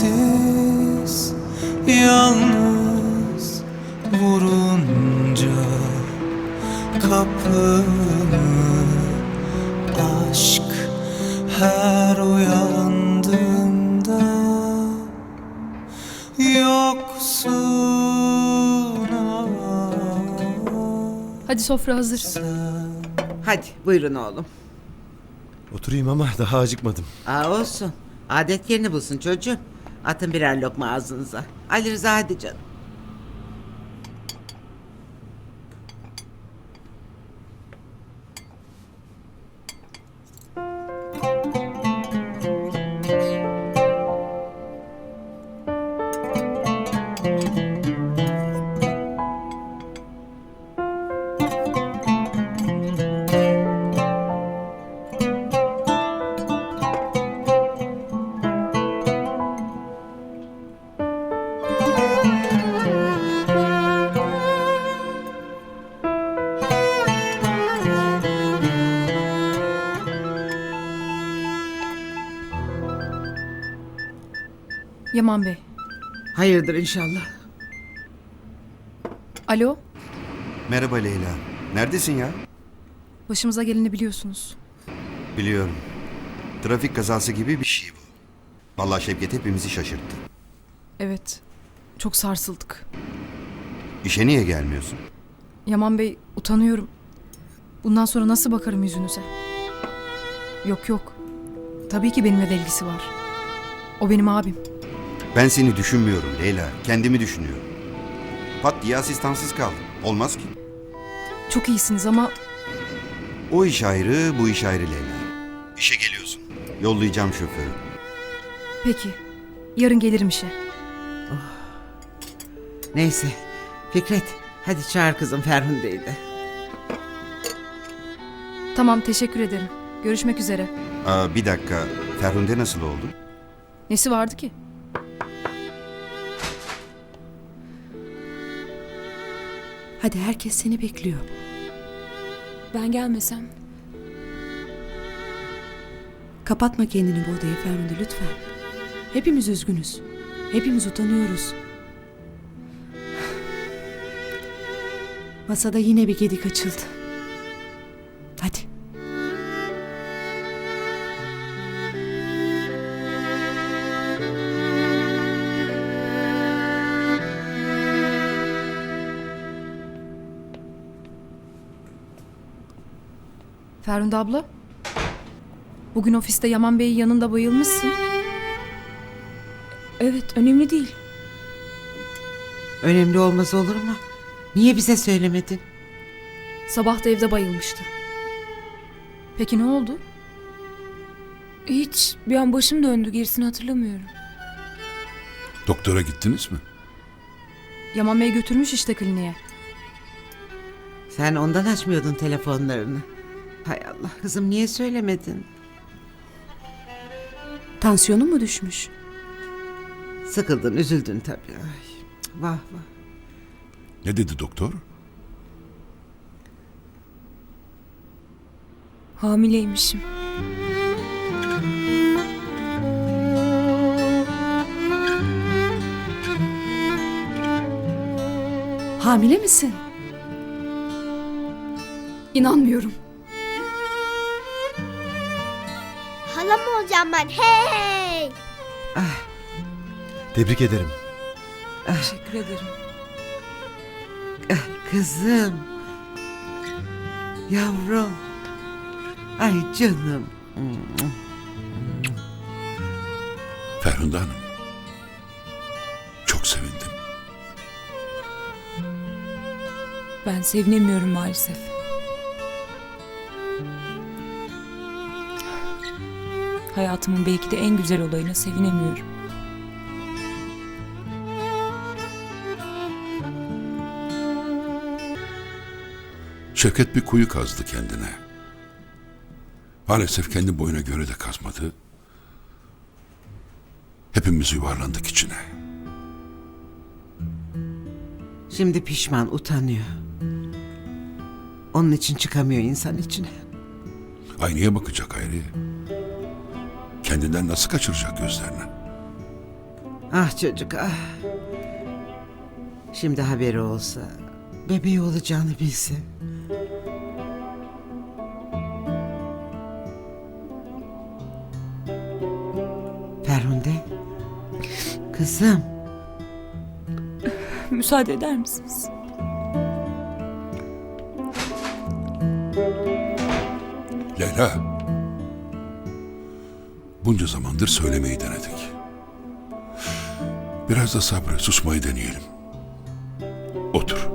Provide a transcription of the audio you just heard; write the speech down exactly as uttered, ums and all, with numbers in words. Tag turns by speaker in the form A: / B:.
A: sensiz yalnız vurunca kapını aşk her uyandığımda yoksun ah.
B: Hadi sofra hazır.
C: Hadi buyurun oğlum.
D: Oturayım ama daha acıkmadım.
C: Aa olsun. Adet yerini bulsun çocuğum. Atın birer lokma ağzınıza. Ali Rıza hadi canım.
B: Yaman Bey.
C: Hayırdır inşallah.
B: Alo.
E: Merhaba Leyla. Neredesin ya?
B: Başımıza geleni biliyorsunuz.
E: Biliyorum. Trafik kazası gibi bir şey bu. Vallahi Şevket hepimizi şaşırttı.
B: Evet. Çok sarsıldık.
E: İşe niye gelmiyorsun?
B: Yaman Bey, utanıyorum. Bundan sonra nasıl bakarım yüzünüze? Yok yok. Tabii ki benimle de ilgisi var. O benim abim.
E: Ben seni düşünmüyorum Leyla. Kendimi düşünüyorum. Pat diye asistansız kaldım. Olmaz ki.
B: Çok iyisiniz ama
E: O iş ayrı, bu iş ayrı Leyla. İşe geliyorsun. Yollayacağım şoförü.
B: peki. Yarın gelirim işe.
C: Neyse. Fikret hadi çağır kızım Ferhunde'yi de.
B: Tamam, teşekkür ederim. Görüşmek üzere.
E: Aa, bir dakika. Ferhunde nasıl oldu?
B: Nesi vardı ki?
F: Hadi herkes seni bekliyor.
G: Ben gelmesem.
F: Kapatma kendini bu odaya Ferhunde lütfen. Hepimiz üzgünüz. Hepimiz utanıyoruz. Masada yine bir gedik açıldı. Hadi.
B: Ferhunde abla. Bugün ofiste Yaman Bey'in yanında bayılmışsın.
G: Evet, önemli değil.
C: Önemli olmaz olur mu? Niye bize söylemedin?
B: Sabah da evde bayılmıştı. Peki ne oldu?
G: Hiç, bir an başım döndü, gerisini hatırlamıyorum.
H: Doktora gittiniz mi?
B: Yaman Bey götürmüş işte kliniğe.
C: Sen ondan açmıyordun telefonlarını. Hay Allah kızım niye söylemedin?
F: Tansiyonun mu düşmüş?
C: Sıkıldın üzüldün tabii. Ay, vah vah.
H: Ne dedi doktor?
G: Hamileymişim.
F: Hamile misin?
B: İnanmıyorum.
I: Hala mı olacağım ben? Hey!
D: Tebrik ederim.
G: Teşekkür ederim.
C: Kızım. Yavrum. Ay canım.
H: Ferhunde Hanım. Çok sevindim.
G: Ben sevinemiyorum maalesef. Hayatımın belki de en güzel olayına sevinemiyorum.
H: Şevket bir kuyu kazdı kendine. Maalesef kendi boyuna göre de kazmadı. Hepimiz yuvarlandık içine.
C: Şimdi pişman, utanıyor. Onun için çıkamıyor insan içine.
H: Aynaya bakacak Hayri. Kendinden nasıl kaçıracak gözlerini?
C: Ah çocuk ah. Şimdi haberi olsa, bebeği olacağını bilse. Ferhunde. Kızım.
G: Müsaade eder misiniz?
H: Leyla. Bunca zamandır söylemeyi denedik. Biraz da sabrı, susmayı deneyelim. Otur.